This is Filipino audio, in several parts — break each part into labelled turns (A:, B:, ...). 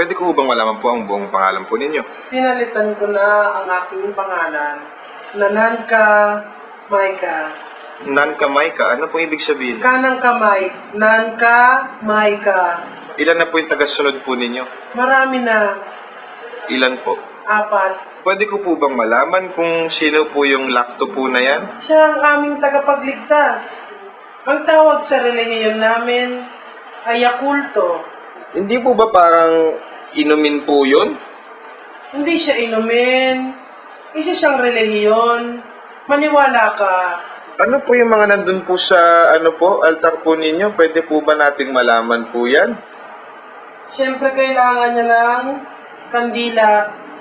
A: Pwede ko bang malaman po ang buong pangalan po ninyo?
B: Pinalitan ko na ang aking pangalan na Nanka Maika.
A: Nanka Maika, ano po ibig sabihin?
B: Kanang kamay, Nanka Maika.
A: Ilan na po yung tagasunod po ninyo?
B: Marami na,
A: Ilan po?
B: 4.
A: Pwede ko po bang malaman kung sino po yung lakto po na yan?
B: Siya ang aming tagapagligtas. Ang tawag sa relihiyon namin ay Yakulto.
A: Hindi po ba parang inumin po yun?
B: Hindi siya inumin. Isa siyang relihiyon. Maniwala ka.
A: Ano po yung mga nandun po sa altar po ninyo? Pwede po ba nating malaman po yan?
B: Siyempre kailangan niya ng kandila.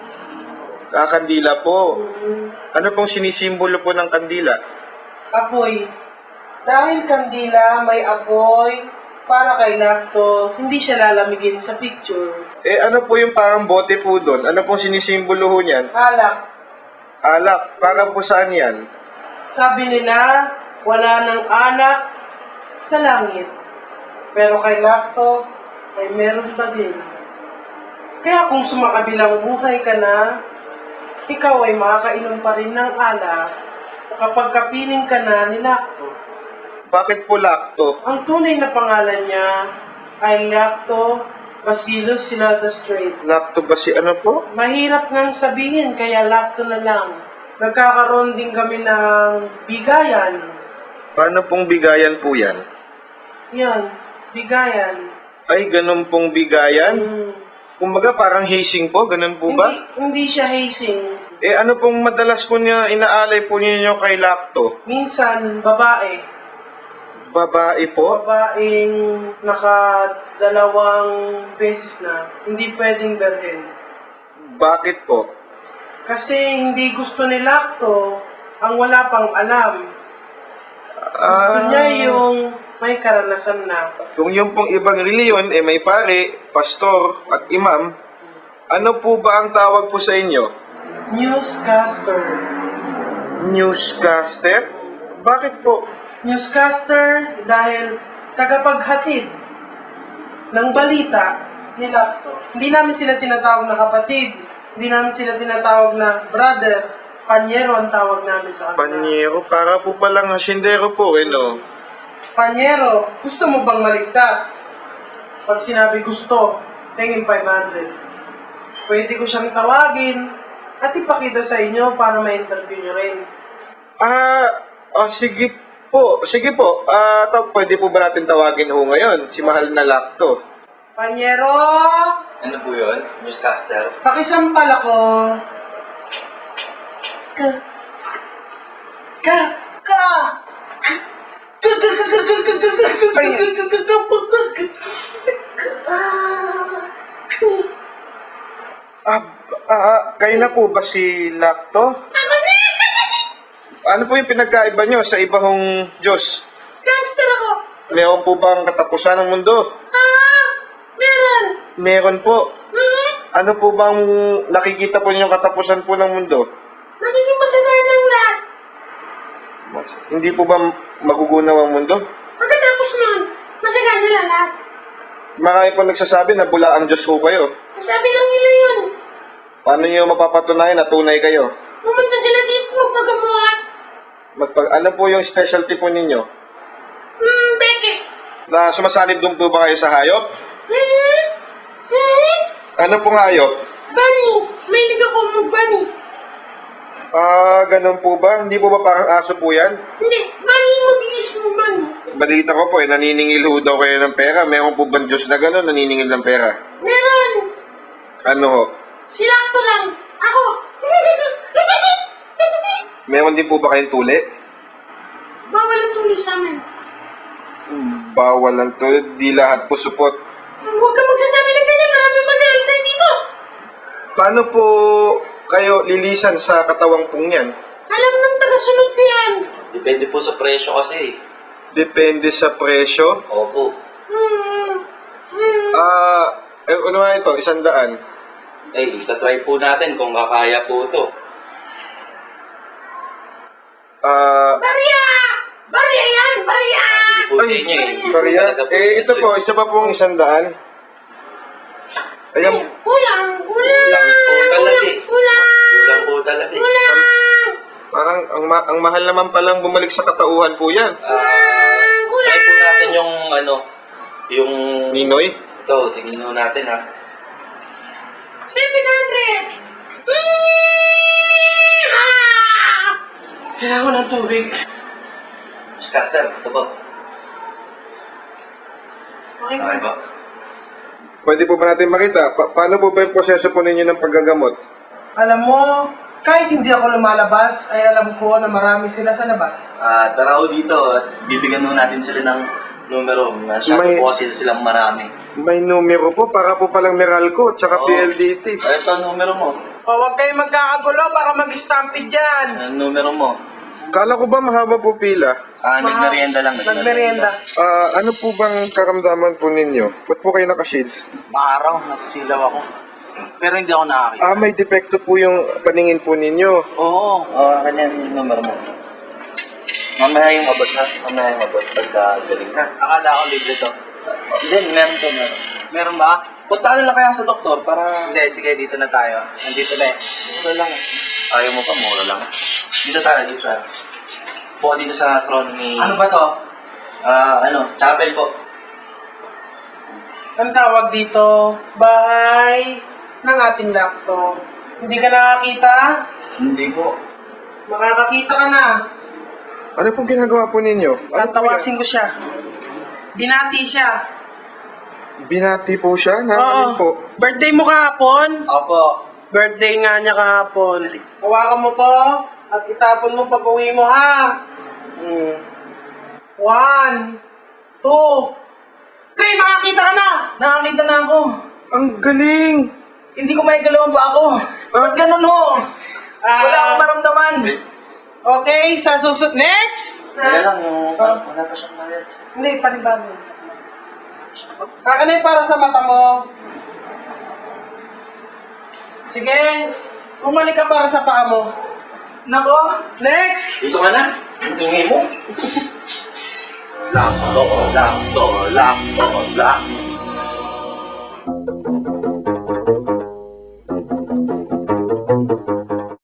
A: Kandila po. Ano pong sinisimbolo po ng kandila?
B: Apoy. Dahil kandila may apoy, para kay Lakto, hindi siya lalamigin sa picture.
A: Ano po yung parang bote po doon? Ano pong sinisimbolo ho niyan?
B: Alak.
A: Alak. Para po saan yan?
B: Sabi nila, wala ng alak sa langit. Pero kay Lakto, ay meron pa din. Kaya kung sumakabilang buhay ka na, ikaw ay makakainom pa rin ng alak kapag kapiling ka na ni Lakto.
A: Bakit po lakto?
B: Ang tunay na pangalan niya ay Lacto Bacillus Sinata Strait.
A: Lakto ba si ano po?
B: Mahirap ngang sabihin, kaya Lacto na lang. Nagkakaroon din kami ng bigayan.
A: Paano pong bigayan po yan?
B: Yan, bigayan.
A: Ay, ganun pong bigayan?
B: Hmm.
A: Kumbaga parang hazing po, ganun po ba?
B: Hindi siya hazing.
A: Ano pong madalas po niya inaalay po ninyo kay lakto?
B: Minsan, babae.
A: Babae po?
B: Babaeng nakadalawang beses na. Hindi pwedeng berhen.
A: Bakit po?
B: Kasi hindi gusto ni Lacto ang wala pang alam. Gusto niya yung may karanasan na.
A: Kung yung pong ibang reliyon, may pare, pastor, at imam, ano po ba ang tawag po sa inyo?
B: Newscaster.
A: Newscaster? Bakit po?
B: Newscaster dahil tagapaghatid ng balita ni Lacto. Hindi namin sila tinatawag na kapatid. Hindi namin sila tinatawag na brother. Panyero ang tawag namin sa kanila.
A: Panyero? Para po palang hasindero po, no?
B: Panyero, gusto mo bang maligtas? Pag sinabi gusto, tingin 500. Pwede ko siyang tawagin at ipakita sa inyo para ma-interview nyo rin.
A: Sige po. Sige po. Pwede po ba natin tawagin ho ngayon? Si mahal na lakto.
B: Panyero!
C: Ano po yun? Newscaster?
B: Pakisampal ako. Ka. Ka. Ka.
A: Kayo na po ba si lakto? Ano po yung pinagkaiba nyo sa ibang Diyos?
B: Gangster ako.
A: Meron po bang katapusan ng mundo?
B: Meron.
A: Meron po. Ano po bang nakikita po ninyong katapusan po ng mundo?
B: Magiging masagana ng lahat.
A: Hindi po ba magugunaw ang mundo?
B: Pagkatapos nun, masagana na lahat.
A: Marami po nagsasabi na bula ang Diyos po kayo.
B: Sabi lang nila yun.
A: Paano nyo mapapatunayan na tunay kayo?
B: Pumunta sila dito magpagamuhat.
A: Ano po yung specialty po ninyo?
B: Beke.
A: Na sumasanib doon po ba kayo sa hayop? Ano pong hayop?
B: Bunny. May ako mag-bunny.
A: Ganun po ba? Hindi po ba parang aso po yan?
B: Hindi. Bunny, mabilis mo bunny.
A: Balita ko po, naniningil ho daw kayo ng pera. Meron po bang Diyos na gano'n, naniningil ng pera?
B: Meron.
A: Ano ho?
B: Si Lacto lang. Ako.
A: Meron din po ba kayong tuli?
B: Bawal ang tuloy sa amin.
A: Bawal lang to, di lahat po support.
B: Huwag ka magsasabi ng ganyan. Maraming magaling sa'yo dito.
A: Paano po kayo lilisan sa katawang pong yan?
B: Alam ng tagasunod ko yan.
C: Depende po sa presyo kasi.
A: Depende sa presyo.
C: Opo.
A: Ano nga ito? 100.
C: Itatry po natin kung kakaya po ito.
B: Barya! Barya yan! Barya!
C: Hindi po sa inyo eh.
A: Bariya. Ito po, isa pa pong 100. Ayan,
B: Kulang!
C: Kulang po talaga eh. Kulang po talaga eh.
A: parang ang mahal naman palang bumalik sa katauhan po yan.
C: Try po natin yung yung...
A: Ninoy?
C: Ito, tingnan natin ha.
B: 700! Kailangan ko ng tubig.
C: Newscaster, ito po.
B: Okay.
C: Okay ba?
A: Pwede po ba natin makita? Paano po ba yung proseso po ninyo ng paggagamot?
B: Alam mo, kahit hindi ako lumalabas, ay alam ko na marami sila sa labas.
C: Tara ho dito at bibigyan mo natin sila ng numero. Masyado po kasi silang marami.
A: May numero po, para po palang Meralco, tsaka
C: Oo.
A: PLDT.
C: Ito ang numero mo.
B: O, huwag kayong magkakagulo para mag-stampede dyan.
C: Ang numero mo.
A: Kala ko ba mahaba po pila?
C: Nagmerienda lang.
B: Nagmerienda.
A: Ano po bang karamdaman po ninyo? Ba't po kayo naka-shades?
C: Maaraw, nasisilaw ako. Pero hindi ako nakakita.
A: May depekto po yung paningin po ninyo.
C: Oo. Kanya yung numero mo. Mamaya yung abot ha. Mamaya yung abot pagka galing ha. Akala ko libre to. Hindi, meron to. Meron ba? Punta na lang kaya sa doktor para... Hindi, sige, dito na tayo. Nandito na eh. Mura lang eh. Ayaw mo pa, mura lang. Dito tayo, dito tayo. Po dito sa throne ni... Ano ba to? Chapel po.
B: Ang tawag dito, bahay ng ating laptop. Hindi ka nakakita?
C: Hindi po.
B: Makakakita ka na.
A: Ano pong ginagawa po ninyo?
B: Tatawasin ko siya. Binati siya.
A: Binati po siya? Nakakalin po.
B: Birthday mo kahapon?
C: Opo.
B: Birthday nga niya kahapon. Hawakan mo to at itapon mo pag uwi mo, ha? 1, 2, 3, nakakita ka na! Nakakita na ako.
A: Ang galing!
C: Hindi ko may galawan pa ako. Ba't ganun ho? Wala akong maramdaman.
B: Okay, sa susunod. Next!
C: Kaya lang yung... Wala pa siyang bayad.
B: Hindi, panibago. Kakanay para sa mata mo. Sige, bumalik ka para sa paa mo. Nako, next!
C: Dito ka na. Tingin mo. Lakto.